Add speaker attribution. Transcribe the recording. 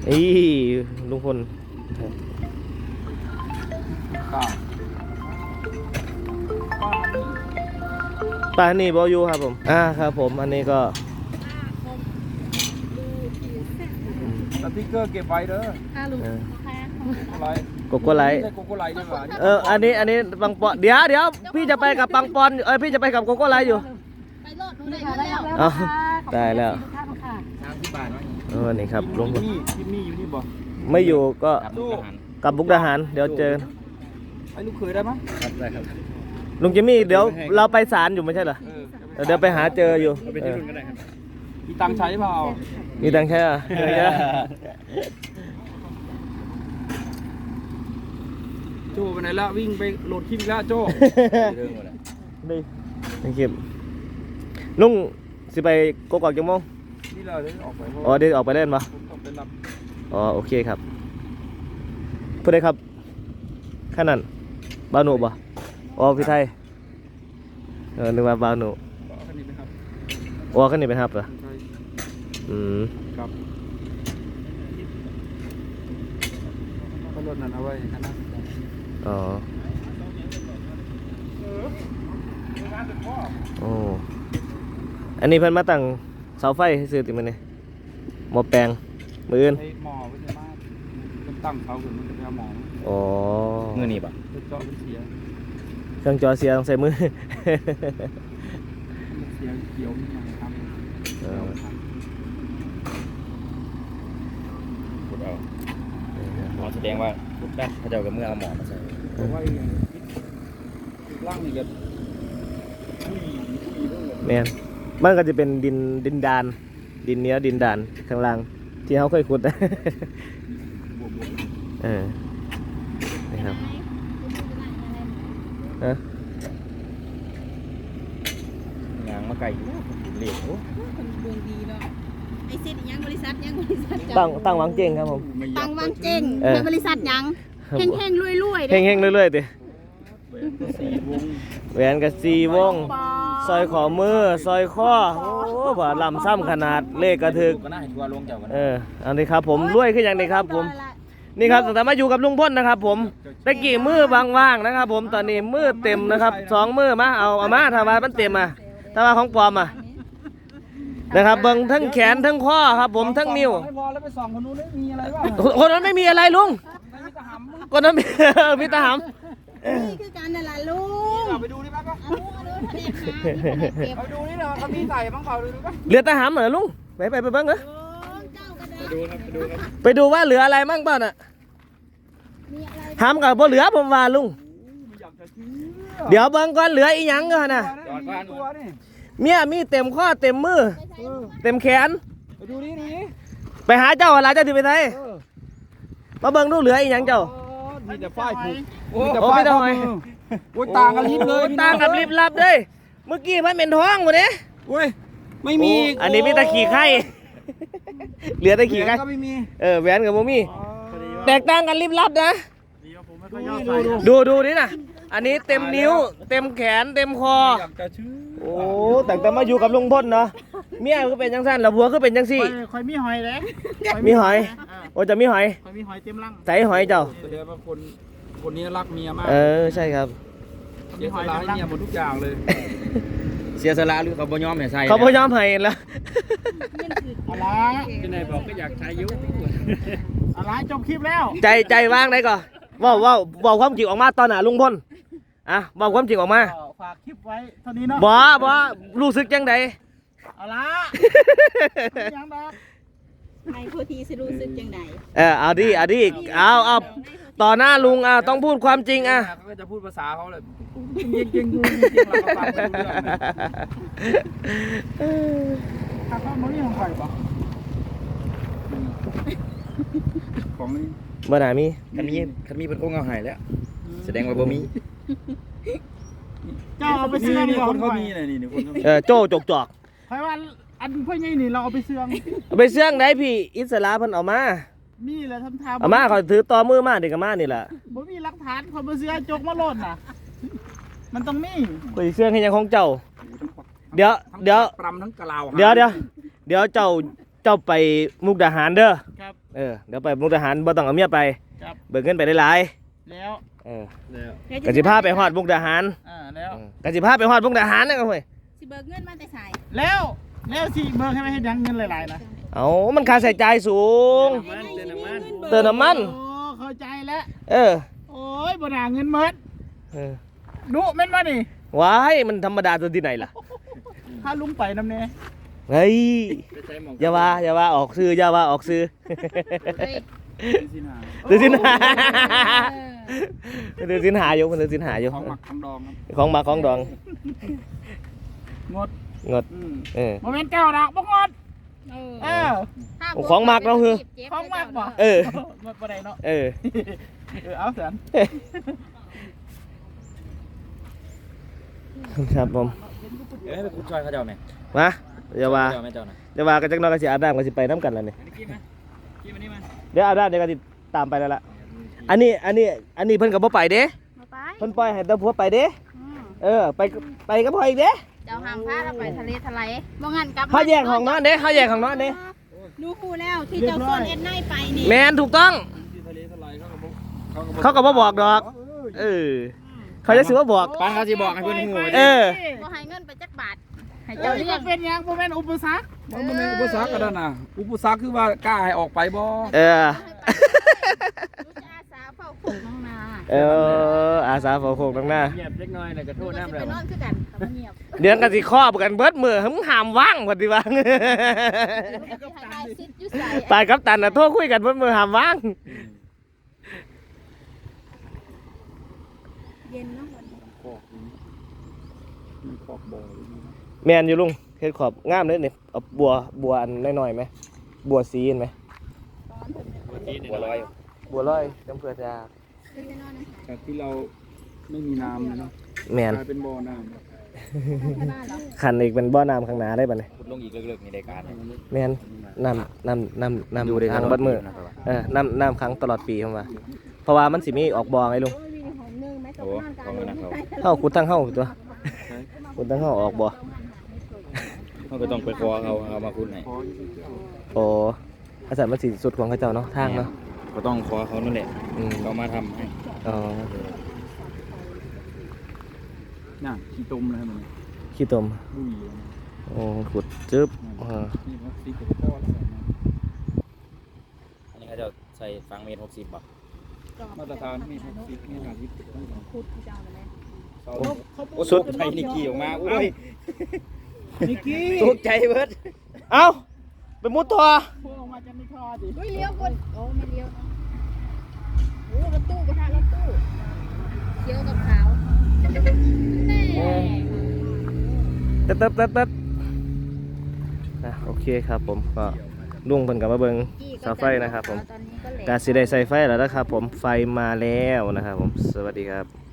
Speaker 1: อีลุงพลป้านี่บอยูครับผมครับผมอันนี้ก็
Speaker 2: สติ๊กเกอร์เก็บไว้เด้อ
Speaker 1: โกโก้ไลท์
Speaker 2: โกโก้ไลท์ใช่ไหม
Speaker 1: อันนี้ปังปอนเดี๋ยวพี่จะไปกับปังปอนพี่จะไปกับโกโก้ไลท์อยู่
Speaker 3: ไปโลดหนูได้แล้ว
Speaker 1: ได้แล้ว
Speaker 2: 30 บาท
Speaker 1: นี่ครับลุงพล
Speaker 2: ที่นี่อยู่นี่บ่
Speaker 1: ไม่อยู่ก็กับบุกดาหารเดี๋ยวเจอ
Speaker 2: ไอ้ลูกเคยได้ไหม
Speaker 1: ได้ครับลุงจิมมี่เดี๋ยวเราไปศาลอยู่ไม่ใช่เหรอเดี๋ยวไปหาเจออยู่
Speaker 2: มีตังใช้เปล่า
Speaker 1: มีตังใช้
Speaker 2: โจ้ไปไหนละวิ่งไปโหลดคลิปแล้วโจ้
Speaker 1: นี่คลิปลุงสิไปกกอกจังมง
Speaker 2: นี่เราได้ออกไป
Speaker 1: เดี๋ยวออกไปเล่นปะโอเคครับพูดได้ครับขนาดบาวหนูปะพี่ไทยนึกว่าบาวหนู
Speaker 2: ขึ้นนี่เป็น
Speaker 1: ฮับเหรอ
Speaker 2: ครับก็รถนั้นเอาไว้ขนาด
Speaker 1: อันนี้เพิ่นมาตั้งเสาไฟให้ซื้อติมันนี่หม้อแปลงมืออื่น
Speaker 2: หม้อไว้ในบ้านตั้งเสาขึ้นมันจะเป็นหม้อ
Speaker 1: มือนี่ปะ
Speaker 2: เจาะเสีย
Speaker 1: เครื่องจอเสียต้องใส่มือ
Speaker 2: เสียเกี่ยวนี่ครับ
Speaker 4: พูดเอาหมอแสดงว่าพูดได้เขาจะเอากับเมื่อเอาหมอมาใส่
Speaker 2: เพราะว่าร่างนี่ก็
Speaker 1: แม่นมันก็จะเป็นดินดานดินเนี้ยดินดานข้างล่างที่เขาเคยขุดนี่ครับ
Speaker 4: งานมาไกลเลี้ยงโอ้
Speaker 3: ดวงดีเนาะไอซิดยังบริษัท
Speaker 1: ตั้งวังเจงครับผม
Speaker 3: ตั้งวังเจงเป็นบริษัทยังเฮงรวย
Speaker 1: เฮงเรื่อยๆดิแหวนกับ4 วงซอยขอมือซอยข้อบ่ลำซ้ำขนาดเลขกระถึกอันนี้ครับผมรวยขึ้นอย่างนี้ครับผมนี่ครับแต่มาอยู่กับลุงพ่นนะครับผมตะกี้มือว่างๆนะครับผมตอนนี้มือเต็มนะครับ2 มือมาเอามาถ้าว่ามันเต็มถ้าว่าของปลอมนะครับเบิ่งทั้งแขนทั้งข้อครับผมทั้งนิ้ว
Speaker 2: ไม่พอแล้วไปส่องคนนู้นมีอะไรบ้าง
Speaker 1: คนนั้นไม่มีอะไรลุงคนนั้นมีตาหำ
Speaker 3: นี่คือการนั่นแหละลุง
Speaker 2: ไปดูนี่แป๊บไปดูนี่เราเขามีใส่บ้างเปล่าดูป่ะ
Speaker 1: เหลือตาหำเหรอลุงไปเบิ่งเหรอไปดูว่าเหลืออะไรมั่งบ้างน่ะหำกับบ่เหลือผมว่าลุงเดี๋ยวเบิ่งก่อนเหลืออีหยังก่อนนะเมียมีเต็มข้อเต็มมือเต็มแขน
Speaker 2: ไปดูนี่
Speaker 1: ไปหาเจ้าอะไรเจ้าที่ไปไหนมาเบิ่งดูเหลืออีหยังเจ้า
Speaker 2: มีแต่ป้ายผูก
Speaker 1: ไม่ต้องไง
Speaker 2: ต่างกันลิบเลย
Speaker 1: ต่างกับลิบลับเลยเมื่อกี้มันเป็นท้องหมดเลย
Speaker 2: ไม่มี
Speaker 1: อันนี้มีตะขี่ไข่เหลือตะขี่ไข่
Speaker 2: ก็ไม่มี
Speaker 1: แหวนกับโมมี่แตกต่างกันลิบลับนะดูนี่นะอันนี้เต็มนิ้วเต็มแขนเต็มคอแต่มาอยู่กับลุงพ่นเนาะเมียก็เป็นจังสั้นแล้วผัวก็เป็นจังสี่
Speaker 2: คอยมีหอยเลย
Speaker 1: มีหอยจะมีหอย
Speaker 2: คอยมีหอยเต็มรัง
Speaker 1: ใส่หอยเจ้า
Speaker 2: แสดงว่าคนนี้รักเมียมาก
Speaker 1: ใช่ครับ
Speaker 2: เสียสละให้เมียหมดทุกอย่างเลย
Speaker 4: เสียสละหรือเขาบ่ยอมให้ใส่
Speaker 1: เขาบ่ยอมให้แล้ว
Speaker 2: อะไรที่ไหนบอกก็อยากใช้ยุอะไรจบคลิปแล้ว
Speaker 1: ใจว่างได้ก่อนว่าความจริงออกมาตอนไหนลุงพลบอกความจริงออกมา
Speaker 2: ฝากคลิปไว้เท่านี้เนาะ
Speaker 1: บ่รู้สึกจังได
Speaker 2: อะไรยังดอก
Speaker 3: ให้ผู้ที่สิรู้สึกจังได
Speaker 1: เอาดิเอาต่อหน้าลุงต้องพูดความจริง
Speaker 2: ก็จะพูดภาษาเขาเลยจริงเราก็ฟังไม่รู้เรื่องถ้าเขาไม่มีของใครปะของนี้
Speaker 1: บ่ได้มี
Speaker 4: คันมีเป็นองค์เอาหายแล้วแสดงว่าบ่มี
Speaker 2: เจ้าเอาไปเสื่องนี่คนเขามีอะไรนี่
Speaker 1: คนโจ้จอก
Speaker 2: ใครว่าอันเพื่อนไงนี่เราเอาไปเสื่อง
Speaker 1: ได้พี่อิสระเพิ่นเอามา
Speaker 2: มีแหละทำ
Speaker 1: เอามาเขาถือต่อมือมาเด็กกับมานี่แหละ
Speaker 2: บ่มีหลักฐานคนมาเสื่อจกมาหล่นน่ะมันต้องมี
Speaker 1: คุยเสื่องให้ยังของเจ้าเดี๋ยว
Speaker 2: ปรำทั้งกะลาว
Speaker 1: เดี๋ยวเจ้าไปมุกดาหารเด้อเดี๋ยวไปมุกดาหารบ่ต้องเอาเมียไป
Speaker 2: ครับ
Speaker 1: เบิกเงินไปได้หลาย
Speaker 2: แล้ว
Speaker 1: กสิพาไปฮอดมุกดาหาร
Speaker 2: แล้ว
Speaker 1: กสิพาไปฮอดมุกดาหารนะเว้ย
Speaker 3: สิเบิกเงินมาแต่สาย
Speaker 2: แล้วสิเบิกให้ไม่ให้ดังเงินหลายๆนะ
Speaker 1: เอามันค่าใช้จ่ายสูง เติมน้ำมัน
Speaker 2: โอ้เข้าใจแล้ว
Speaker 1: เออ
Speaker 2: โอ้ยบ่น่าเงินเมิด
Speaker 1: เออ
Speaker 2: ดุแม่นบ่นี่
Speaker 1: ว้ายมันธรรมดาตัวที่ไหนล่ะ
Speaker 2: ถ้าลุงไปนำแน่
Speaker 1: เฮ้ยอย่าว่าออกซื้ออย่าว่าออกซื้อ
Speaker 3: เฮ้ย
Speaker 1: เดือดสินหาเดือดสินหาอยู่มันเดือดสินหาอยู่
Speaker 2: ของหมักของดองครับ
Speaker 1: ของมาของดอง
Speaker 2: งด
Speaker 1: งดเออ
Speaker 2: โมเมนต์เจ้าดอกบ่งดเออ
Speaker 1: ของมักเนาะคือ
Speaker 2: ของมักบ่
Speaker 1: เออ
Speaker 2: งดบ่ได้เนาะ
Speaker 1: เออ
Speaker 2: เอาเสียน
Speaker 1: ครับผม
Speaker 4: ไปคุณช่วยเขาเจ้าไหม
Speaker 1: มาอย่าว่า
Speaker 4: เจ้าไหมเจ้านะ
Speaker 1: อย่าว่ากันจักหน้อยก็สิอาบน้ำก็สิไปน้ำกันแล้วนี่
Speaker 2: กินมานี่มา
Speaker 1: เดี๋ยวอาบน้ำเดี๋ยวก็สิตามไปแล้วล่ะอันนี้เพิ่นก็บ่ไปเด้
Speaker 3: มาไป
Speaker 1: เพิ่นปล่อยให้แต่ผัวไปเด้ เออไปกับพ่ออีกเด้
Speaker 3: เจ้าห้ามพาเราไปทะเลทลายบ่งั้นกลับ
Speaker 1: เขาแยกของนอนเด้เขาแยกของนอนเด้
Speaker 3: ดูคู่แล้วที่เจ้าส่วนเอ็นไนไปนี่
Speaker 1: แมนถูกต้อง เขาก็บ่บอกดอก เออ เขาจะซื้อว่าบอก
Speaker 4: ป้าเขาสิบอกให้เพื่อนหู
Speaker 1: เออ
Speaker 3: บ่ให้เงินไปจักบาทให้
Speaker 2: เจ้า
Speaker 3: เจ้า
Speaker 2: เรี
Speaker 3: เลี้
Speaker 2: ย
Speaker 3: ย
Speaker 2: ก
Speaker 3: ง
Speaker 2: เป็นหยังบ่แม่นอุปสรรค
Speaker 5: มันบ่แม่นอุปสรรคก็นั่นน่ะอุปสรรคคือว่ากล้าให้ออกไปบ่
Speaker 1: เออ
Speaker 3: รู้จะอาสาเฝ้าผูกน้องนา
Speaker 1: เออ อาสาฝาโคกตรงหน้า
Speaker 4: เงียบเล็กน้อยเลยก็โทษน้ำ
Speaker 3: ไป
Speaker 4: แล้ว
Speaker 3: นอนคือกันแต่ว่าเงียบ
Speaker 1: เดี๋ยวกันสิครอบกันเบิดมือหึมหามว่างพอดีว่าง
Speaker 3: ให้ได้ซิดอยู่ใส่
Speaker 1: ตายกับตันน่ะโทษคุยกันเบิดมือหามว่าง
Speaker 3: เย็นเนาะ
Speaker 5: มีขอบบ่อ
Speaker 1: แมนอยู่ลุงเฮ็ดขอบงามเลยนี่เอาบัวอันน้อยๆไหมบัวสีเห็นไหม
Speaker 4: บัวลอย
Speaker 1: บัวลอยน้ำเพื่อจะ
Speaker 5: จากที่เราไม่มีน้ำนะเนาะ
Speaker 1: แมน
Speaker 5: กลายเป็นบ่อน้
Speaker 1: ขันอีกเป็นบ่อน้ำข้างหน้าได้ป่ะเนี่ย
Speaker 4: ขุดลงอีกเลิกๆในรายการ
Speaker 1: แมนน้ำค้างเบัดมือน้ำค้างตลอดปีผมว่าเพราะว่ามันสิมีออกบ่อไงลุง
Speaker 4: โอ้ของมันนะเขา
Speaker 1: เข้าขุดทั้งเข้าตัวขุดทั้งเข้าออกบ่อ
Speaker 4: เขาก็ต้องไปขอเขาเอามาคุณให้
Speaker 5: ำพออยู่ที่เอา
Speaker 1: โอ้อาจารย์มันสิสุดของเขาเจ้าเนาะทางเนาะ
Speaker 4: ก็ต้องขอเขานั่นแหละ
Speaker 1: อืม
Speaker 4: เขามาทำให้
Speaker 1: อ๋อ
Speaker 5: น่ะขี้ตมเลยมัน
Speaker 1: ขี้ตม
Speaker 5: บุ้ย
Speaker 1: โอ้ขุดจึ๊บ
Speaker 5: นี่มันสีกับพ่อแล้ว
Speaker 4: อันนี้เขาจะใส่ฟังเมตร60บาท
Speaker 5: มาตรฐานมี60มี50
Speaker 3: พูดที่เจ้าเลย
Speaker 4: โอ้สุดไทยนิกกี้ออกมาอุ้ย
Speaker 2: นิกกี้
Speaker 4: ตกใจเบิด
Speaker 1: เอ้าไปมุดตัว
Speaker 2: พวกออกมาจะไม่ทอดิ
Speaker 3: อุ้ยเลี้ยวคนโอ้ไม่เลี้ยวโอ้รถตู้ไปทางรถตู้เขียวกับขาวแน่
Speaker 1: ตึ๊ดโอเคครับผมก็ลุงเพิ่นกับมาเบิ่งเสาไฟนะครับผม
Speaker 3: ตอนนี้ก็เหล
Speaker 1: กาสิได้ใส่ไฟแล้วนะครับผมไฟมาแล้วนะครับผมสวัสดีครับ